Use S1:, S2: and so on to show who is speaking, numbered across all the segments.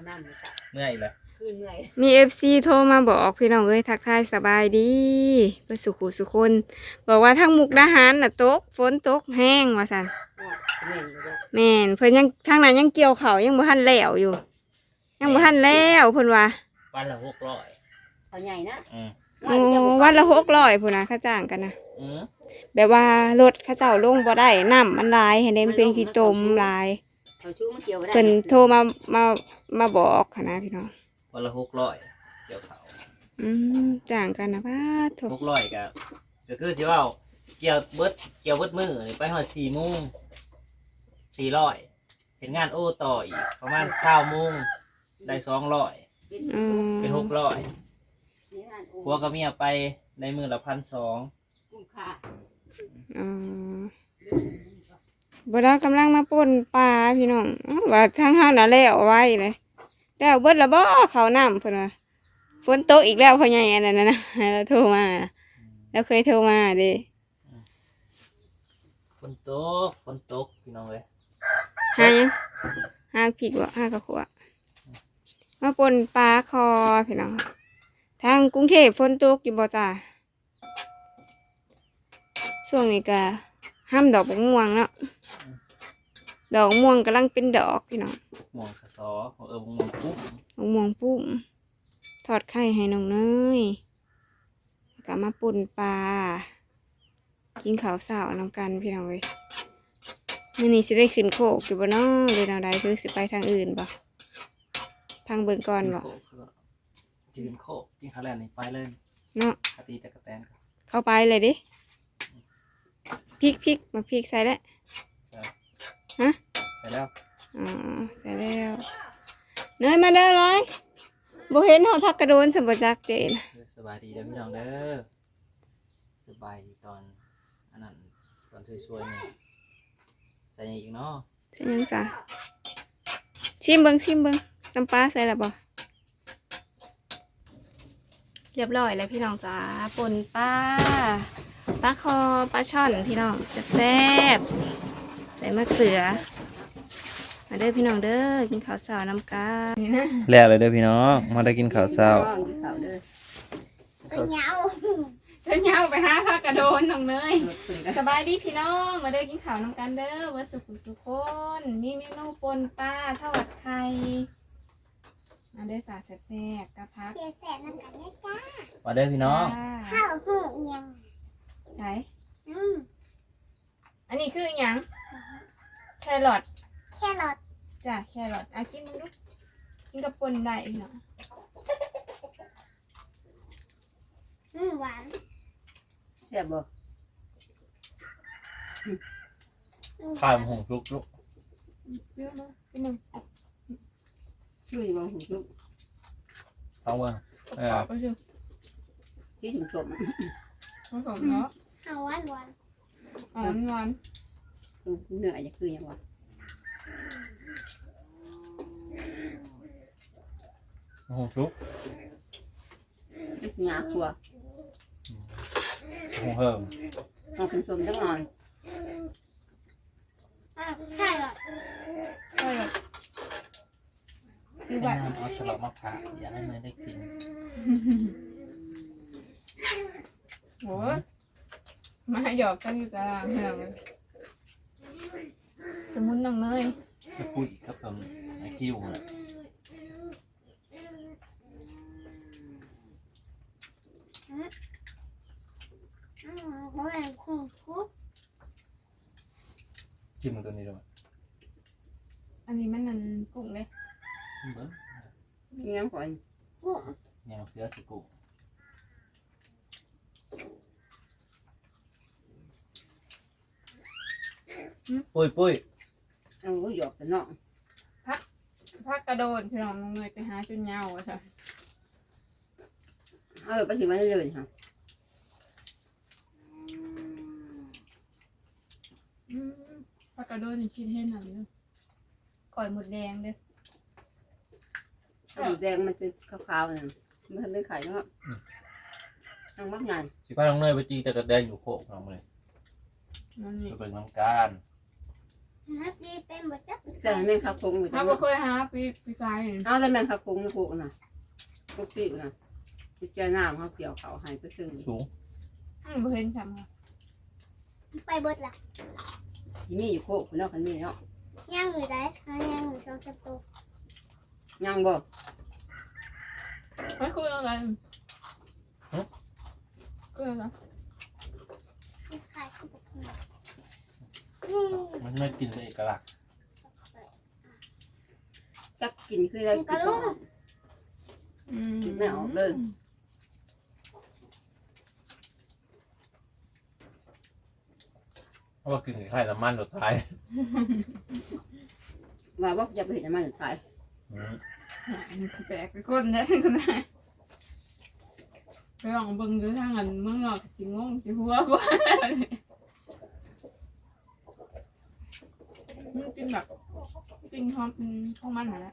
S1: น้ำนี่จ้ะ
S2: เมื่อยเลย
S1: คือเหนื่อย
S3: มี FC โทรมาบอกพี่น้องเอ้ยทักทายสบายดีเพื่อสุขุสุคนบอกว่าทั้งมุกดาหารน่ะตกฝนตกแห้งว่าซั่น
S1: เหนื่อยอยู่ด้วย
S3: แม่นเพิ่นยังทางนั้นยังเกี่ยวข้าวยังบ่ทันแล้วอยู่ ยังบ่ทันแล้วเพิ่นว่า
S2: วันละ600
S1: เอาใหญ่นะ
S3: โอ้วันละ600พุ่นน่ะค่าจ้างกันนะ
S2: อืม
S3: แบบว่ารถเขาเจ้าลงบ่ได้น้ำมันหลายให้เด้มันเป็นขี้ตมหลาย
S1: เขาชู้มันเกี่ยวไม่ได้
S3: เพิ่นโทรมาบอกค่ะนะพี่น้อง
S2: วันละ600เกี่ยวเขา
S3: จ้างกันนะป้าโถ
S2: 600ก็คือสิว่าเกี่ยวเบิดมื้อนี่ไปฮอด4:00 น400เห็นงานโอต่ออีกประมาณ20:00 นได้200เป็น600ผัวกับเมียไปในมื้อละ1,200
S1: กุ้งค่า
S3: บ่ได้กำลังมาป่นปลาพี่น้องว่าทางเฮาน่ะแล้วไว้เลยแล้วเบิดละบ่เขาน้ำเพิ่นว่าฝนตกอีกแล้วพ่อใหญ่อันนั้นนะแล้วโทรมาแล้วเคยโทรมาเด้
S2: ฝนตกพี่น้องเอ้ย
S3: หายังหาพริกบ่หากระขัวมาป่นปลาคอพี่น้องทางกรุงเทพฝนตกอยู่บ่จ้าช่วงนี้ก็ห้ามดอกบักม่วงเนาะดอกม่วงกำลังเป็นดอกพี่น้อง
S2: ม่วงกระสอม่วงปุ๊บ
S3: บักม่วงปุ้มทอดไข่ให้น้องเนยแล้วก็มาป่นปลากินข้าวเช้านำกันพี่น้องเอ้ยมื้อนี้สิได้ขึ้นโคกอยู่บ่เนาะหรือแนวใดคือสิไปทางอื่นบ่ทางเบิ่งก่อนบ่
S2: จืนโคกกินข้าวแลนนี่ไปเลย
S3: เนาะ
S2: คตีแต่กระแตนครับ
S3: เข้าไปเลยดิพริกมาพริกใส่แล้ว
S2: ใช่
S3: ฮะ
S2: ใส่แล้ว
S3: อ๋อใส่แล้วเนยมาเด้อร้อยบ่เห็นเฮาทักกระโดนสมบัจักเจน
S2: สบายดีเด้อพี่น้องเด้อสบายดีตอนอันนั้นตอนช่วยๆนี่ใส่หยังอีกเนาะ
S3: ใช่ยังจ้ะชิมเบิ่งน้ำปลาใส่แล้วบ่เรียบร้อยแล้วพี่น้องจ้าป่นปลาคอปลาช่อนพี่น้องแซ่บๆใส่มะเขือมาเด้อพี่น้องเด้อกินข้าวเช้าน้ำกันนี่นะ
S2: แล้วเลยเด้อพี่น้องมาได้กินข้าวเช้า
S1: เขาเด้อ
S3: เธอเหงาไปหาพากระโดนน้องเนย
S1: รถขึ้นกัน
S3: สบายดีพี่น้องมาเด้อกินข้าวน้ำกันเด้อวัดสุขุสุคนมีเมนูปนปลาทอดไข่มาเด้อสาแซ่บๆกะพัก
S4: เสียแสบน้ำกันเนี่ยจ้า
S2: มาเด้อพี่น้อง
S4: ข้าวหูเอียง
S3: ใช่
S4: อืม
S3: อันนี้คือหยังแครอท
S4: แครอท
S3: จ้ะแครอทอ่ะกินดูกินกับปนได้พี่น้อง
S4: หวาน
S1: แซ่บบ่
S2: ข้าวหงลุก
S3: เยอะมากพี่น้อง
S1: ช่วยมองหูลูก
S2: ท้องเบิ่ง
S3: กรอบไปสิ
S1: ชี้ถุงสม
S3: ผสมเนาะ
S4: ข้าวหวานหวาน
S3: หวาน
S1: เหนื่อยจะคือยังวะ
S2: หงลุก
S1: งาครัว
S2: หงเฮิม
S1: มองถุงสมจังหน่อย
S4: แครอท
S3: แครอทคือ
S2: ให้
S3: แบบ
S2: น้ำเอาฉลอกมาผ่าอยากให้เนยได้กิน
S3: โหมาหยอกกันอยู่ตารางพี่น้องเลยสมุนน้องเนย
S2: จะพูดอีกครับผมไอคิวน่ะ
S4: หวานคุ้มคุ้ม
S2: จิ้มมันตัวนี้ด้วย
S3: อันนี้มันนั่นกุ้งเลย
S2: จิ้มเบิ้ง
S1: งั้นก่อน
S4: คุ้ม
S2: เนี่ยมันเสือสกุปุ้ย
S1: เอาหยอกแต่เนาะ
S3: พักกระโดดพี่น้องน้องเนยไปหาจนเหงาอ่ะจ้ะ
S1: ไปถึงมันเลยค่ะ
S3: พักกระโดดนี่คิดเห็นหน่อยเด้อก่อยหมดแดงเด้อ
S1: หมูแดงมันเป็นขาวๆเนี่ยมันทำเป็นไข่เนาะนั่งมักงาน
S2: สิพาน้องเนยไปจีแต่กระแดงอยู่โคกน้องเลย
S3: นั่นนี่
S2: ไปเป็นน้ำการ
S4: ฮักดีเป็นบ่จับ
S1: แต่แม่งข้าวคงอยู่
S3: ถ้า
S1: จัง
S3: บ่เคยหาปีกาย
S1: เอาแต่แม่งข้าวคงนะพวกน่ะพวกติน่ะที่เจ้าน้ำเขาเกี่ยวเขาให้ไปซึ่ง
S2: สูง
S3: บ่เห็นจำค่ะ
S4: ไปเบิดล่ะ
S1: ที่มีอยู่โคกคนนอกคันมีเนาะ
S4: ย่างอยู่ได้ย่างอยู่ช่องจับตัว
S1: ยังบ่
S3: มันคืออะไรคืออะไร
S4: ขายข้าวปุกนี่
S2: มันไม่กินเป็นเอกลักษณ์
S1: จักกินคือได้
S4: นี่
S1: กิ
S4: ก็
S1: น
S4: ลูก
S1: ไม่ออกเลย
S2: เพราะว่ากินไข่น้ำมันสุดท้าย
S1: ว่าว่าจะไปเห็นมันสุดท้าย
S3: แปลกไปคนได้คนได้ไปลองเบิ่งดูทางอันเมืองนอกสิงงสิหัวกว่ามันเป็นแบบเป็นความของมันนั่นแหละ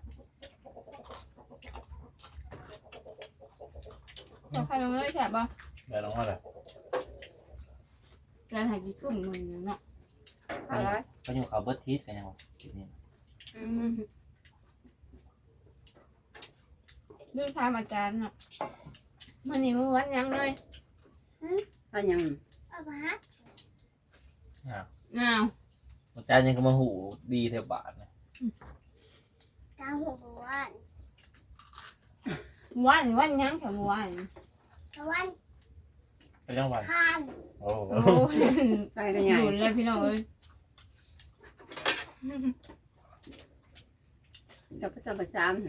S3: ใครลงเลยแฉบบ่
S2: ได้ลองว่าอะไร
S3: จะหายกี่ทุ่มหนึ่งเนาะ
S1: อะไร
S2: ก็อยู่เขาเบิร์ตทีสกันยังวะกินนี่
S3: เรื่องทามอาจารย์เนาะมันนี่มันวันยังเลย
S1: ถ้ายัง
S4: เอามาฮัก
S3: อ้าว
S2: อาจารย์ยังก็มาหูดีเทบาทนะ
S4: กลางหัวบัว
S3: วันยังแถววัน
S4: ตะวัน
S2: ไปยังวัน
S4: คาน
S2: โอ้โห
S3: โอ้
S1: ไปกันใหญ่
S3: หยุดเลยพี่น้องเอ้ย
S1: จะไปจะไปซ้ำ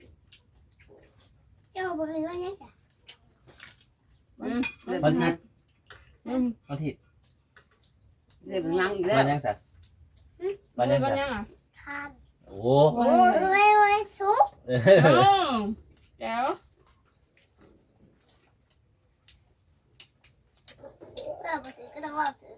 S4: เจ้าบ่เห็นว่าเนี่ยจ้ะ
S1: เลย
S2: วัน
S1: ไป
S2: ที่
S3: อืม
S2: วันที่
S1: เลยไปนั่งอีกแล้ว
S2: วันยังสัตว์วันยัง
S3: วัน
S2: สัตว์
S3: ยังอ่ะ
S4: คาน
S2: โอ้
S4: โอ้ยสุก
S3: แจ๋ว
S4: บ่ถือก็ต้องว่าถือ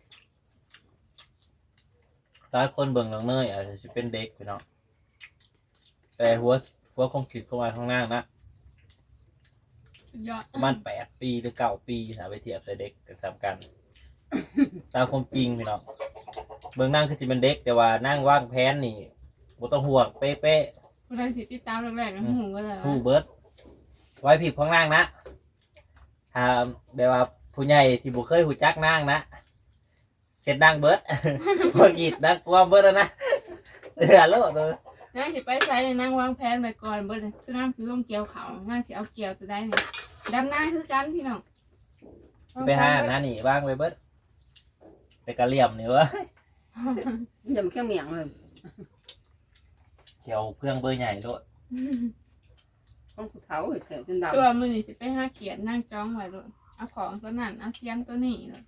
S2: ตาคนเบิ่งน้องเนยอาจจะเป็นเด็กไปเนาะแต่หัวคงคิดเข้ามาข้างล่างนะ
S3: ยอด
S2: ประมาณ8 ปีหรือ9 ปีนะไปเทียบแต่เด็กกันสามกัน ตามความจริงพี่น้องเบิ่งนั่งคือจะเป็นเด็กแต่ว่านั่งว่างแผนนี่บ่ต้องห่วงเป๊ะ
S3: คนใดสิติดตามแรกๆนะหูก็เลย
S2: ๆผู้เบิร์ดไว้ผิดข้างล่างนะถ้าแบบว่าผู้ใหญ่ที่บ่เคยหูจักนั่งนะเสร็จนั่งเบิร์ด พอกีดนั่งกวามเบิร์ดแล้วนะเหลือโลดเลย
S3: นั่งสิไปใส่นั่งวางแผนไปก่อนเบิดเลยคือนั่งคือต้องเกี่ยวเขานั่งสิเอาเกี่ยวจะได้เนี่ยดำหน้าคือกันพี่น้อง
S2: ไปหาหน้านี่บ้างไปเบิร์ดแต่กระเหลี่ยมนี่วะ
S1: อย่ามาแค่เมียงเลย
S2: เกี่ยวเพื่องเบอร์ใหญ่โลด
S1: ต้องขุดเขาเฉยจนดำ
S3: ตัวมือนี่สิไปหาเขียนนั่งจ้องไว้เลยเอาของตัวนั้นเอาเสียมตัวนี้เลย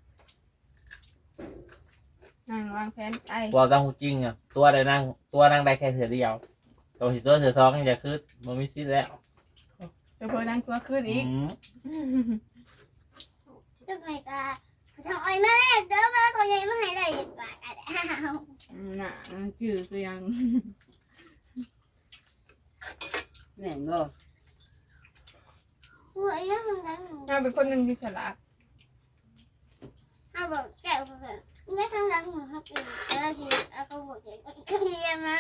S3: นั่งวางแผนไป
S2: ว่าตามความจริงอ่ะตัวนั่งได้แค่เถื่อเดียวตัวสิตัวเถื่อสองนี่จะคือมันมีสิทธิ์แล้ว
S3: ตัวเพิ่นนั่งตัวขึ้นอีก
S4: จักไงกะทางอ้อยมาแล้วเด้อว่าคนใหญ่มาให้ได้10 บาทอ่ะอ้าว
S3: น่ะจืดตัวยัง
S1: แม่งบ่
S4: หัวยังนั้น
S3: น่าเป็นคนหนึ่งที่ฉลาด
S4: เอาบอกแก้วเพิ่นเนี่ยทางหลังของเฮากินแล้วกินแล้วก็บอกเองก็เรียนมา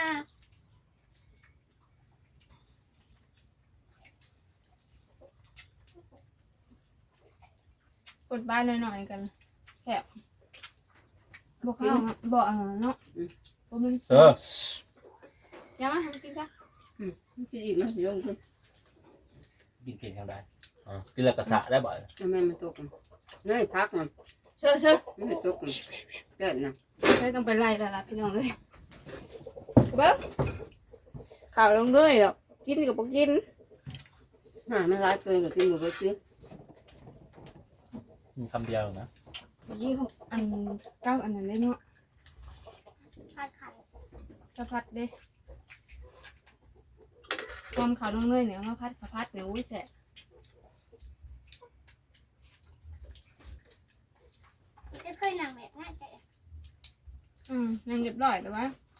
S3: กดบ้านหน่อยๆกันแคบบอกเขาบอกอะไรเนาะบอกมัน อย่ามาทำกินจ้ะ
S1: กินอีกมั้ยยงขึ้น
S2: กินทำได้กินแล้วกระสะได้บ่อย
S1: แม่มันตกเนยพักมัน
S3: เชื่อเชื่อ
S1: ไม่ตกเกิดนะ
S3: ใช่ต้องไปไล่แล้วล่ะพี่น้องเลยเบิ้งข่าวลงด้วยดอกกินกับบอกกิน
S1: ไม่ร้ายเกินกว่ากินหมดไปซื้อ
S2: มีคำเดียวนะ
S3: ยี่หกอันเก้าอันนั้นได้เนาะ
S4: ผัดไข่
S3: สะพัดเด้ความข่าวลงเลยเนี่ยมาพัดสะพัดเนี่ยอุ้ยแสบ
S4: จะเคยนั่งแบบนั้นจ้ะ
S3: ยังเรียบร้อยแต่ว่า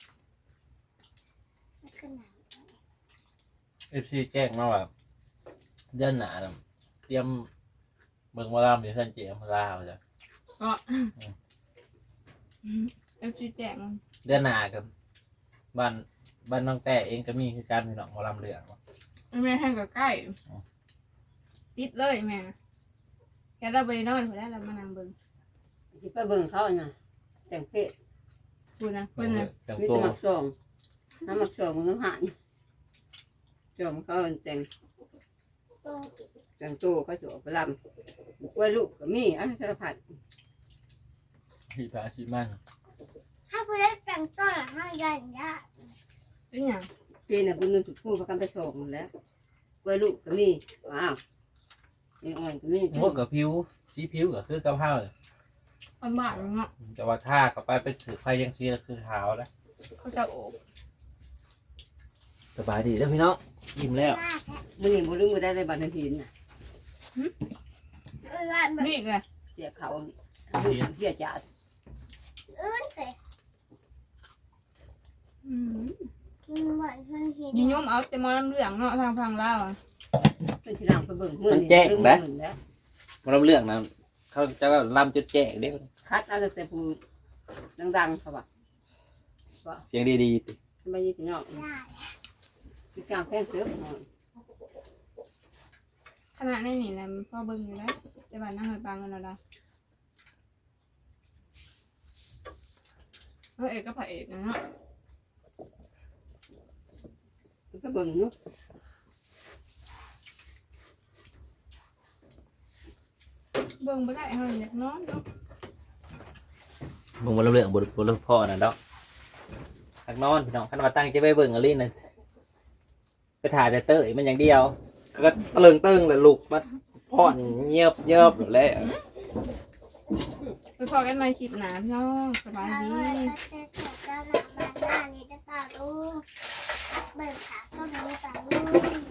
S4: ไม่ขึ้นนั่ง
S2: FC แจ้งมาว่าเดือนหน้าน่ะเตรียมเบิ่งว่าลามอยู่เพิ่นเจียมลาวจ้ะ
S3: ก็เอฟซีแจง
S2: เดือนหน้ากับบ้านน้องแต่เองก็มีคือการพี่น้องหมอลำเหลือง
S3: แม่ให้กับใกล้ติดเลยแม่แค่เราไปนอนพอได้เรามานั่งเบิ่ง
S1: ที่ไปเบิ่งเขาน่ะแต่งเพศ
S3: พูดนะเพิ่นนะ
S2: จัง
S1: มี
S2: โต
S1: แต่หมักสองน้ำหมักสองมันต้องหันจอมเขาแต่ง
S4: ตรง
S1: แต่งโตก็จะออกไปลำกล้วยลูกก็มีอันสารพัด
S2: ที่พระชิมัน
S4: ถ้าผู้ได้แต่งต้นห้าใหญ่ยะ
S3: เป็นหยัง
S1: ปีน่ะบุญนึงถูกพูดประกันไปส่งแล้วกล้วยลูกก็มีว้าวมีอ่อนก็มี
S2: โอ้กับผิวสีผิวก็คือกับผ้าเลย
S3: คนบ้านเนาะ
S2: แต่ว่าถ้าเข้าไปถือไฟยังสีก็คือขาวแล้ว
S3: เขาจะโอบ
S2: สบายดีแล้วพี่น้องอิ่มแล้ว
S4: ยากแท้
S1: มื้อนี้บ่ลืมบ่ได้ในบัตรหินน่ะ
S4: ว่าแบบ
S3: นี่ไง
S1: เสียเขาเสียจ่า
S4: อื่นเลย มันเหมือนมันเห็น
S3: ยิงยมเอาแต่มอน้ำเหลืองเนาะทางพังลาวอะ
S1: เป็นที่หลังไปเบิ่งมื้อนี้ลืมมื้อแล้ว
S2: หมอลำเหลืองนะเขาจะลำจุดแจ้งเด้
S1: คัดเอาแต่ผู้ดังๆเขาว่า
S2: เสียงดีๆติ
S1: ไม่ยิ่งเนาะ
S4: ได้
S1: มีการแข่งเสือหน่อย
S3: ขนาดในนี่นะพ่อเบิ่งอยู่แล้วแต่บ้านนั่งหอยปังกันแล้วเอกก็พระเอกนะเนาะ
S1: ก็เบิ่งเนาะ
S3: เบิ่งไปได้เฮาอยากนอนเนาะ
S2: มึงหมอลำเหลืองบนพ่อน่ะดอกทักนอนพี่น้องคันว่าตั้งใจไปเบิ่งอะไรนั่นไปถ่ายแต่เต้ยมันอย่างเดียวก็ตะลึงตึงเลยลูกมาพ่อนเงียบอยู่แล้ว
S3: ไปพอกันใหม่คลิปหน้าพี่น้องสบาย
S4: ถ้า
S3: ดี
S4: ว่าจะเสร็จแล้วหลังบ้านหน้านี้จะป่าลูกเบิกขาก็ไม่ป่าลูก